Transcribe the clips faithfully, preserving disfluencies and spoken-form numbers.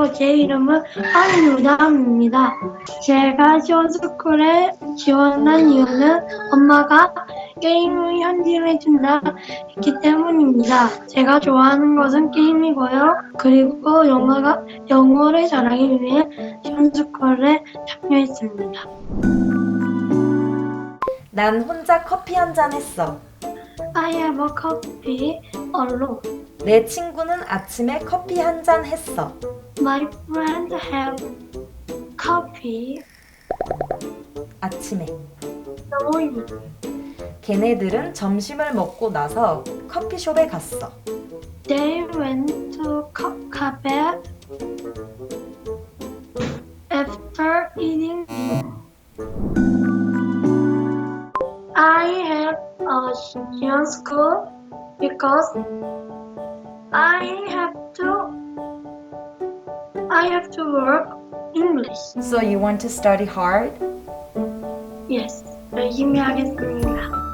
안녕하세요. 제 이름은 한유담입니다. 제가 시원스쿨에 지원한 이유는 엄마가 게임을 현질해준다 했기 때문입니다. 제가 좋아하는 것은 게임이고요. 그리고 영어가, 영어를 잘하기 위해 시원스쿨에 참여했습니다. 난 혼자 커피 한 잔 했어. I have a coffee alone. 내 친구는 아침에 커피 한 잔 했어. My friend have coffee 아침에. in the morning. 걔네들은 점심을 먹고 나서 커피숍에 갔어. They went to co- cafe after eating dinner. I have a Xi'an school because I have to I have to work English. So you want to study hard? Yes, 열심히 하겠습니다.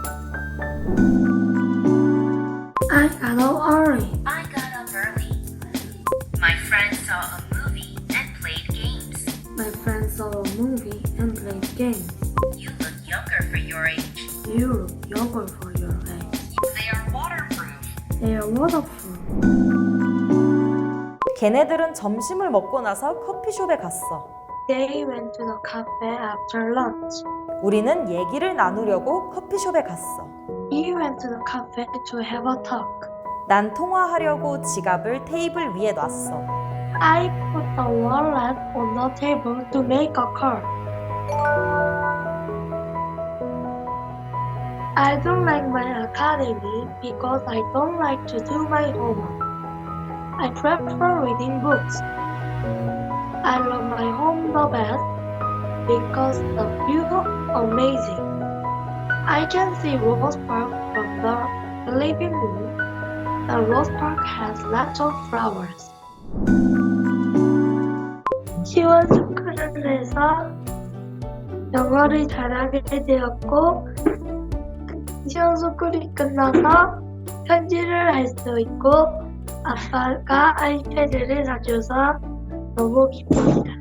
I got up early. I got up early. My friends saw a movie and played games. My friends saw a movie and played games. You look younger for your age. You look younger for your age. They are waterproof. They are wonderful. 걔네들은 점심을 먹고 나서 커피숍에 갔어. They went to the cafe after lunch. 우리는 얘기를 나누려고 커피숍에 갔어. We went to the cafe to have a talk. 난 통화하려고 지갑을 테이블 위에 놨어. I put the wallet on the table to make a call. I don't like my academy because I don't like to do my homework. I prefer reading books. I love my home the best because the view is amazing. I can see Rose Park from the living room. The Rose Park has lots of flowers. 시원스쿨에서 영어를 잘하게 되었고 시원스쿨이 끝나서 편지를 할 수 있고 아빠가 아이패드를 사줘서 너무 기쁩니다.